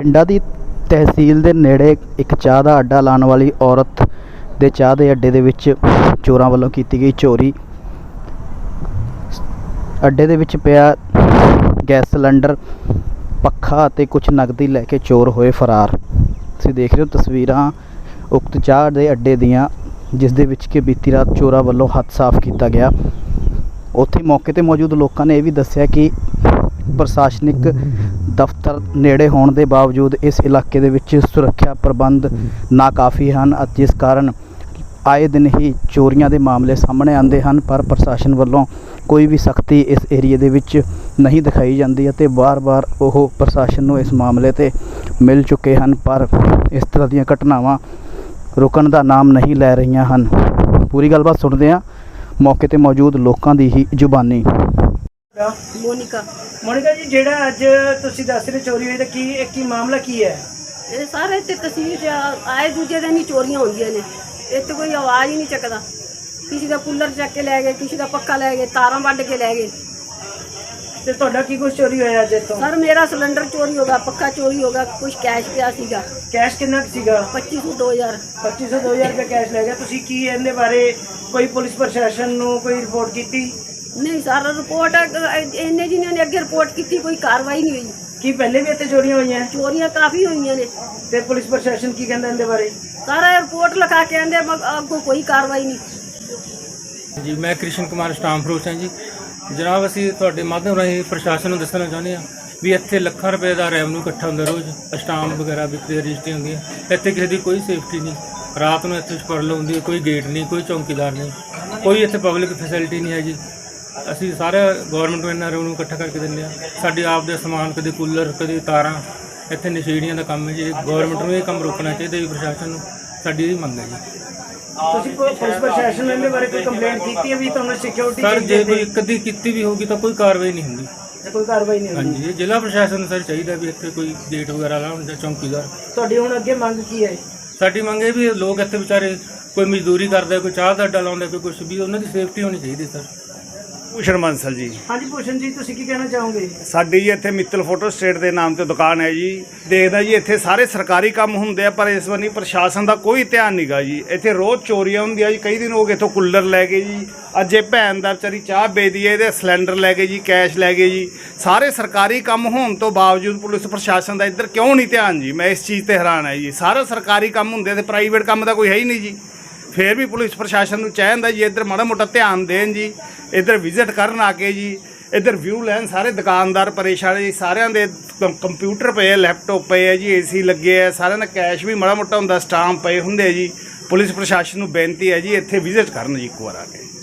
ਬਠਿੰਡਾ ਦੀ ਤਹਿਸੀਲ ਦੇ ਨੇੜੇ ਇੱਕ ਚਾਹ ਦਾ ਅੱਡਾ ਲਾਉਣ ਵਾਲੀ ਔਰਤ ਦੇ ਚਾਹ ਦੇ ਅੱਡੇ ਦੇ ਵਿੱਚ ਚੋਰਾਂ ਵੱਲੋਂ ਕੀਤੀ ਗਈ ਚੋਰੀ। ਅੱਡੇ ਦੇ ਵਿੱਚ ਪਿਆ ਗੈਸ ਸਿਲੰਡਰ, ਪੱਖਾ ਅਤੇ ਕੁਝ ਨਕਦੀ ਲੈ ਕੇ ਚੋਰ ਹੋਏ ਫਰਾਰ। ਤੁਸੀਂ ਦੇਖ ਰਹੇ ਹੋ ਤਸਵੀਰਾਂ ਉਕਤ ਚਾਹ ਦੇ ਅੱਡੇ ਦੀਆਂ, ਜਿਸ ਦੇ ਵਿੱਚ ਕਿ ਬੀਤੀ ਰਾਤ ਚੋਰਾਂ ਵੱਲੋਂ ਹੱਥ ਸਾਫ਼ ਕੀਤਾ ਗਿਆ। ਉੱਥੇ ਮੌਕੇ 'ਤੇ ਮੌਜੂਦ ਲੋਕਾਂ ਨੇ ਇਹ ਵੀ ਦੱਸਿਆ ਕਿ ਪ੍ਰਸ਼ਾਸਨਿਕ ਦਫ਼ਤਰ ਨੇੜੇ ਹੋਣ ਦੇ ਬਾਵਜੂਦ ਇਸ ਇਲਾਕੇ ਦੇ ਵਿੱਚ ਸੁਰੱਖਿਆ ਪ੍ਰਬੰਧ ਨਾਕਾਫੀ ਹਨ, ਜਿਸ ਕਾਰਨ ਆਏ ਦਿਨ ਹੀ ਚੋਰੀਆਂ ਦੇ ਮਾਮਲੇ ਸਾਹਮਣੇ ਆਉਂਦੇ ਹਨ। ਪਰ ਪ੍ਰਸ਼ਾਸਨ ਵੱਲੋਂ ਕੋਈ ਵੀ ਸਖਤੀ ਇਸ ਏਰੀਏ ਦੇ ਵਿੱਚ ਨਹੀਂ ਦਿਖਾਈ ਜਾਂਦੀ ਅਤੇ ਵਾਰ-ਵਾਰ ਉਹ ਪ੍ਰਸ਼ਾਸਨ ਨੂੰ ਇਸ ਮਾਮਲੇ 'ਤੇ ਮਿਲ ਚੁੱਕੇ ਹਨ, ਪਰ ਇਸ ਤਰ੍ਹਾਂ ਦੀਆਂ ਘਟਨਾਵਾਂ ਰੁਕਣ ਦਾ ਨਾਮ ਨਹੀਂ ਲੈ ਰਹੀਆਂ ਹਨ। ਪੂਰੀ ਗੱਲਬਾਤ ਸੁਣਦੇ ਹਾਂ ਮੌਕੇ 'ਤੇ ਮੌਜੂਦ ਲੋਕਾਂ ਦੀ ਹੀ ਜ਼ੁਬਾਨੀ। ਮੋਨਿਕਾ ਜੀ, ਜਿਹੜਾ ਅੱਜ ਤੁਸੀਂ ਦੱਸ ਰਹੇ ਚੋਰੀ ਹੋਈ ਤਾਂ ਕੀ ਮਾਮਲਾ ਕੀ ਹੈ? ਇਹ ਸਾਰੇ ਤੇ ਤਹਿਸੀਲ 'ਚ ਆਏ ਦੂਜੇ ਦਿਨ ਹੀ ਚੋਰੀਆਂ ਹੁੰਦੀਆਂ ਨੇ। ਇੱਥੇ ਕੋਈ ਆਵਾਜ਼ ਹੀ ਨਹੀਂ ਚੱਕਦਾ। ਕਿਸੇ ਦਾ ਕੂਲਰ ਚੱਕ ਕੇ ਲੈ ਗਏ, ਕਿਸੇ ਦਾ ਪੱਖਾ ਲੈ ਗਏ, ਤਾਰਾਂ ਵੱਢ ਕੇ ਲੈ ਗਏ। ਤੇ ਤੁਹਾਡਾ ਕੀ ਕੁਝ ਚੋਰੀ ਹੋਇਆ ਅੱਜ ਇੱਥੋਂ? ਸਰ ਮੇਰਾ ਸਿਲੰਡਰ ਚੋਰੀ ਹੋ ਗਿਆ, ਪੱਖਾ ਚੋਰੀ ਹੋ ਗਿਆ, ਕੁਝ ਕੈਸ਼ ਪਿਆ ਸੀਗਾ। ਕੈਸ਼ ਕਿੰਨਾ ਕੁ ਸੀਗਾ? 2500 2000 ਰੁਪਏ ਕੈਸ਼ ਲੈ ਗਿਆ। ਤੁਸੀਂ ਕੀ ਇਹਦੇ ਬਾਰੇ ਕੋਈ ਪੁਲਿਸ ਪ੍ਰਸ਼ਾਸਨ ਨੂੰ ਕੋਈ ਰਿਪੋਰਟ ਕੀਤੀ? ਨਹੀਂ ਸਰ, ਰਿਪੋਰਟ ਇੰਨੇ ਜਿਹਨਾਂ ਨੇ ਅੱਗੇ ਰਿਪੋਰਟ ਕੀਤੀ, ਕੋਈ ਕਾਰਵਾਈ ਨਹੀਂ ਹੋਈ। ਕੀ ਪਹਿਲੇ ਵੀ ਇੱਥੇ ਚੋਰੀਆਂ ਹੋਈਆਂ? ਚੋਰੀਆਂ ਕਾਫੀ ਹੋਈਆਂ ਨੇ। ਤੇ ਪੁਲਿਸ ਪ੍ਰਸ਼ਾਸਨ ਕੀ ਕਹਿੰਦਾ ਇਹਦੇ ਬਾਰੇ? ਸਾਰਾ ਰਿਪੋਰਟ ਲਿਖਾ ਕੇ ਆਂਦੇ, ਅੱਗੋਂ ਕੋਈ ਕਾਰਵਾਈ ਨਹੀਂ। जी मैं कृष्ण कुमार स्टाम फरोश हाँ जी जनाब, असी तुहाडे माध्यम राਹੀਂ प्रशासन ਨੂੰ ਦੱਸਣਾ ਚਾਹੁੰਦੇ ਹਾਂ ਵੀ ਇੱਥੇ ਲੱਖਾਂ ਰੁਪਏ ਦਾ ਰੈਵਨਿਊ ਇਕੱਠਾ ਹੁੰਦਾ ਰੋਜ਼। ਸਟਾਂਪ ਵਗੈਰਾ ਵਿਕਰੀ ਰਜਿਸਟਰੀ ਹੁੰਦੀ ਹੈ। ਇੱਥੇ ਕਿਸੇ ਦੀ ਕੋਈ ਸੇਫਟੀ ਨਹੀਂ। ਰਾਤ ਨੂੰ ਇੱਥੇ ਸਪਰਲ ਹੁੰਦੀ ਹੈ, ਕੋਈ ਗੇਟ ਨਹੀਂ, ਕੋਈ ਚੌਂਕੀਦਾਰ ਨਹੀਂ, ਕੋਈ ਇੱਥੇ ਪਬਲਿਕ ਫੈਸਿਲਿਟੀ ਨਹੀਂ ਹੈ ਜੀ। ਅਸੀਂ ਸਾਰਾ ਗੌਰਮੈਂਟ ਨੂੰ ਇੰਨਾ ਰੈਵਨਿਊ ਇਕੱਠਾ ਕਰਕੇ ਦਿੰਦੇ ਹਾਂ। ਸਾਡੇ ਆਪ ਦੇ ਸਮਾਨ, ਕਦੇ ਕੂਲਰ, ਕਦੇ ਤਾਰਾਂ, ਇੱਥੇ ਨਸ਼ੇੜੀਆਂ ਦਾ ਕੰਮ ਹੈ ਜੀ। ਗੌਰਮੈਂਟ ਨੂੰ ਇਹ ਕੰਮ ਰੋਕਣਾ ਚਾਹੀਦਾ ਜੀ, ਪ੍ਰਸ਼ਾਸਨ ਨੂੰ। ਸਾਡੀ ਇਹ ਮੰਗ ਹੈ ਜੀ। ਤੁਸੀਂ ਪੁਲਿਸ ਪ੍ਰਸ਼ਾਸਨ ਨੇ ਇਹਦੇ ਬਾਰੇ ਕੋਈ ਕੰਪਲੇਂਟ ਕੀਤੀ ਹੈ ਵੀ ਤੁਹਾਨੂੰ ਸਿਕਿਉਰਿਟੀ? ਸਰ ਜੇ ਕੋਈ ਕਦੀ ਕੀਤੀ ਵੀ ਹੋਗੀ ਤਾਂ ਕੋਈ ਕਾਰਵਾਈ ਨਹੀਂ ਹੁੰਦੀ। ਕੋਈ ਕਾਰਵਾਈ ਨਹੀਂ ਹੁੰਦੀ? ਹਾਂਜੀ, ਇਹ ਜ਼ਿਲ੍ਹਾ ਪ੍ਰਸ਼ਾਸਨ ਨੂੰ ਸਰ ਚਾਹੀਦਾ ਵੀ ਇੱਥੇ ਕੋਈ ਗੇਟ ਵਗੈਰਾ ਲਾਉਣ ਜਾਂ ਚੌਂਕੀਦਾਰ। ਤੁਹਾਡੀ ਹੁਣ ਅੱਗੇ ਮੰਗ ਕੀ ਹੈ? ਸਾਡੀ ਮੰਗ ਇਹ ਵੀ ਲੋਕ ਇੱਥੇ ਵਿਚਾਰੇ ਕੋਈ ਮਜ਼ਦੂਰੀ ਕਰਦੇ, ਕੋਈ ਚਾਹ ਦਾ ਅੱਡਾ ਲਾਉਂਦੇ, ਕੋਈ ਕੁਛ ਵੀ, ਉਹਨਾਂ ਦੀ ਸੇਫਟੀ ਹੋਣੀ ਚਾਹੀਦੀ ਸਰ। ਭੂਸ਼ਣ ਬਾਂਸਲ ਜੀ। ਹਾਂਜੀ ਭੂਸ਼ਣ ਜੀ, ਤੁਸੀਂ ਕੀ ਕਹਿਣਾ ਚਾਹੋਗੇ? ਸਾਡੀ ਜੀ ਇੱਥੇ ਮਿੱਤਲ ਫੋਟੋ ਸਟੇਟ ਦੇ ਨਾਮ ਤੇ ਦੁਕਾਨ ਹੈ ਜੀ। ਦੇਖਦਾ ਜੀ ਇੱਥੇ ਸਾਰੇ ਸਰਕਾਰੀ ਕੰਮ ਹੁੰਦੇ ਆ, ਪਰ ਇਸ ਵਾਰ ਪ੍ਰਸ਼ਾਸਨ ਦਾ ਕੋਈ ਧਿਆਨ ਨਹੀਂਗਾ ਜੀ। ਇੱਥੇ ਰੋਜ਼ ਚੋਰੀਆਂ ਹੁੰਦੀਆਂ ਜੀ। ਕਈ ਦਿਨ ਹੋ ਗਏ ਇੱਥੋਂ ਕੂਲਰ ਲੈ ਗਏ ਜੀ। ਅੱਜ ਇਹ ਭੈਣ ਦਾ ਵਿਚਾਰੀ ਚਾਹ ਵੇਚਦੀ ਹੈ, ਇਹਦੇ ਸਿਲੰਡਰ ਲੈ ਗਏ ਜੀ, ਕੈਸ਼ ਲੈ ਗਏ ਜੀ। ਸਾਰੇ ਸਰਕਾਰੀ ਕੰਮ ਹੋਣ ਤੋਂ ਬਾਵਜੂਦ ਪੁਲਿਸ ਪ੍ਰਸ਼ਾਸਨ ਦਾ ਇੱਧਰ ਕਿਉਂ ਨਹੀਂ ਧਿਆਨ ਜੀ? ਮੈਂ ਇਸ ਚੀਜ਼ ਤੇ ਹੈਰਾਨ ਹੈ ਜੀ। ਸਾਰੇ ਸਰਕਾਰੀ ਕੰਮ ਹੁੰਦੇ ਤੇ ਪ੍ਰਾਈਵੇਟ ਕੰਮ ਦਾ ਕੋਈ ਹੈ ਹੀ ਨਹੀਂ ਜੀ। ਫਿਰ ਵੀ ਪੁਲਿਸ ਪ੍ਰਸ਼ਾਸਨ ਨੂੰ ਚਾਹੀਦਾ ਜੀ ਇੱਧਰ ਮਾੜਾ ਮੋਟਾ ਧਿਆਨ ਦੇਣ ਜੀ। ਇੱਧਰ ਵਿਜ਼ਿਟ ਕਰਨ ਆ ਕੇ ਜੀ, ਇੱਧਰ ਵਿਊ ਲੈਣ। ਸਾਰੇ ਦੁਕਾਨਦਾਰ ਪਰੇਸ਼ਾਨ ਜੀ। ਸਾਰਿਆਂ ਦੇ ਕੰਪਿਊਟਰ ਪਏ, ਲੈਪਟਾਪ ਪਏ ਹੈ ਜੀ, ਏਸੀ ਲੱਗੇ ਹੈ। ਸਾਰਿਆਂ ਦਾ ਕੈਸ਼ ਵੀ ਮਾੜਾ ਮੋਟਾ ਹੁੰਦਾ, ਸਟਾਂਪ ਪਏ ਹੁੰਦੇ ਜੀ। ਪੁਲਿਸ ਪ੍ਰਸ਼ਾਸਨ ਨੂੰ ਬੇਨਤੀ ਹੈ ਜੀ ਇੱਥੇ ਵਿਜ਼ਿਟ ਕਰਨ ਜੀ ਇੱਕ ਵਾਰ ਆ ਕੇ।